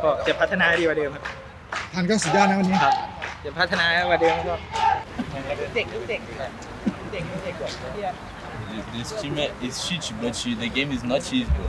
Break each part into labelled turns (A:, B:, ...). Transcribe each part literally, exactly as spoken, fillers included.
A: ก็จะพัฒนาดีกว่าเดิมครับ
B: ทันก็สุดยอดนะวันนี้
A: ครับจะพัฒนากว่าเดิมก็เด็กเด็กเด็กเด็กกว่าเที่ย
C: This team is shit, but the game is not easy, bro.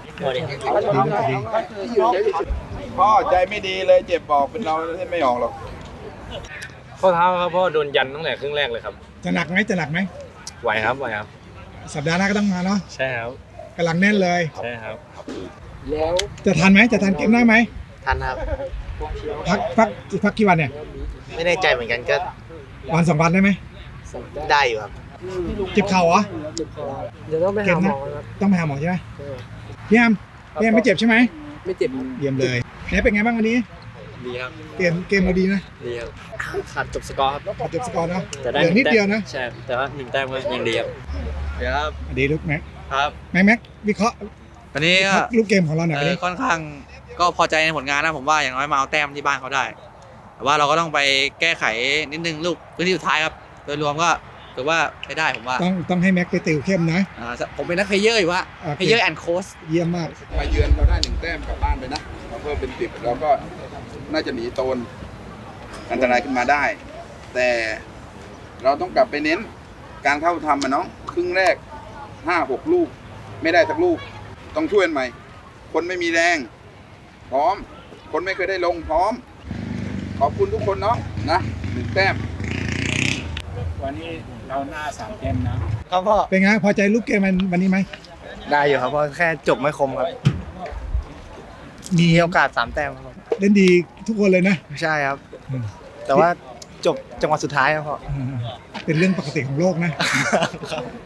D: พ่อใจไม่ดีเลยเจ็บบอกเป็นเราเล่นไม่ออกหรอก
E: ข้อเท้าครับพ่อโดนยันตั้งแต่ครึ่งแรกเลยครับ
B: จะหนักไหมจะหนักไหม
E: ไหวครับไหวครับ
B: สัปดาห์หน้าก็ต้องมาเนาะ
E: ใช่ครับ
B: กำลังแน่นเลย
E: ใช่ครับ
B: จะทันไหมจะทันเกมหน้าไหม
F: ทันครับ
B: พักพักพักกี่วันเนี่ย
F: ไม่แน่ใจเหมือนกันก็
B: วันสองวันได้ไหม
F: ได้อยู่ครับ
B: เจ็บเข่าเหรอ
A: เดี๋ยวต้องไปหาหมอครับ
B: ต้องไปหาหมอใช่ไหมพี่แอมพี่แอมไม่เจ็บใช่ไหม
A: ไม่เจ็บ
B: เยี่ยมเลยแหนเป็นไงบ้างวันนี้
E: ดีครับ
B: เกมเกมเราดีนะ
E: ดีครับขาดจบสกอร์ครับ
B: เจ็บสกอร์เนาะ
E: แต่ได้
B: เหลือนิดเดียวนะ
E: ใช่แต่ว่าหนึ่งแต้มก็ยังดีครับเดี๋ยวครับ
B: ดีลูกแม็ก
G: ครับ
B: แม็กแม็กวิเคราะห์
G: วันนี้ก็
B: ลูกเกมของเราหน่อย
G: เอ
B: วัน
G: อ
B: นี้
G: ค่อนข้างก็พอใจในผลงานนะผมว่าอย่างน้อยมาเอาแต้มที่บ้านเขาได้ แต่ว่าเราก็ต้องไปแก้ไขนิดนึงลูกพื้นที่สุดท้ายครับ โดยรวมก็ถือว่าใช้ได้ผมว่า
B: ต้องต้องให้แม็กไปติวเข้มนะ
G: อ่าผมเป็นนักเพลเยอร์อยู่ว่า
B: โอเค
G: เพลเยอร์แอนด์โค้ช
B: เยี่ยมมาก
D: มาเยือนเราได้หนึ่งแต้มกลับบ้านไปนะเราเพิ่มเป็นสิบเราก็น่าจะหนีโตนอันตรายขึ้นมาได้ แต่เราต้องกลับไปเน้นการเข้าทำมันน้องครึ่งแรกห้าหกลูก ไม่ได้สักลูก ต้องช่วยกันใหม่ คนไม่มีแรง พร้อม คนไม่เคยได้ลงพร้อม ขอบคุณทุกคนเนาะนะหนึ่งแต้ม
A: วันนี้เราหน้าสามเกมนะครับ
F: พ่อ
B: เป็นไงพอใจลูกเกมมันวันนี้ไหม
F: ได้อยู่ครับเพราะแค่จบไม่คมครับ
B: มี
F: มีโอกาสสามแต้มครับ
B: เล่นดีทุกคนเลยนะ
F: ใช่ครับ
B: อืม
F: แต่ว่าจบจังหวะสุดท้ายครับพ่อ
B: เป็นเรื่องปกติของโลกนะ